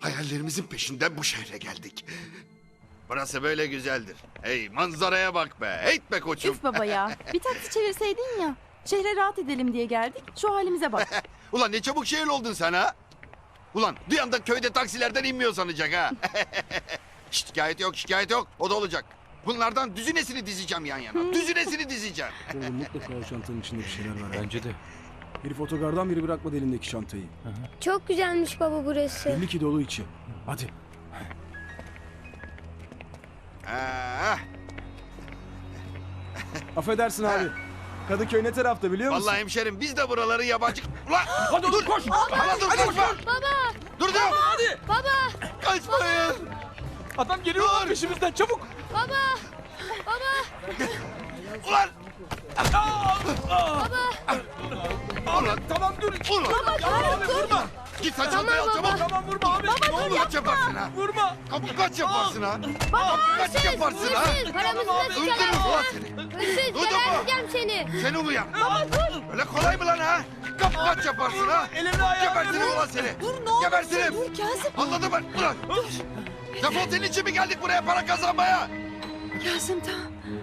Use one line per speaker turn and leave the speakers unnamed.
Hayallerimizin peşinden bu şehre geldik. Burası böyle güzeldir. Hey manzaraya bak be. Heyt be koçum.
Üf baba ya. Bir taksi çevirseydin ya. Şehre rahat edelim diye geldik. Şu halimize bak.
Ulan ne çabuk şehir oldun sen ha. Ulan duyan da köyde taksilerden inmiyor sanacak ha. Şikayet yok, şikayet yok. O da olacak. Bunlardan düzinesini dizeceğim yan yana. Düzinesini dizeceğim.
Oğlum mutlaka o çantanın içinde bir şeyler var.
Bence de.
Herif otogardan biri bırakmadı elindeki çantayı.
Çok güzelmiş baba burası.
Belli ki dolu içi. Hadi.
Ah,
Affedersin abi. Kadıköy ne tarafta biliyor musun?
vallahi hemşerim biz de buraları yabancı... Ulan
Hadi dur koş.
ulan dur kaçma.
Baba!
Dur dur.
Hadi.
Baba!
Kaçmayın.
Adam geliyor lan peşimizden çabuk.
Baba!
Ulan. Ulan.
Tamam dur.
Ulan.
Vurma.
Git sen çantayı al çabuk.
Tamam vurma abi.
Ne olur kaç yaparsın ha.
Vurma.
Kapı kaç yaparsın ha. Kaç yaparsın ha.
Hırsız! Paramızı da
Öldürürüm
çıkarırsın!
ulan seni.
Hırsız!
Duydun mu?
Geberteceğim seni!
Seni uyan. Öyle kolay mı lan ha? Kapı kaç yaparsın ha.
Elini ayağını
Gebertirim
vur.
ulan seni.
Dur ne olursun.
Gebertirim.
Dur Kazım.
Anladın mı? Ulan. Defol senin için mi geldik buraya para kazanmaya?
Kazım tamam.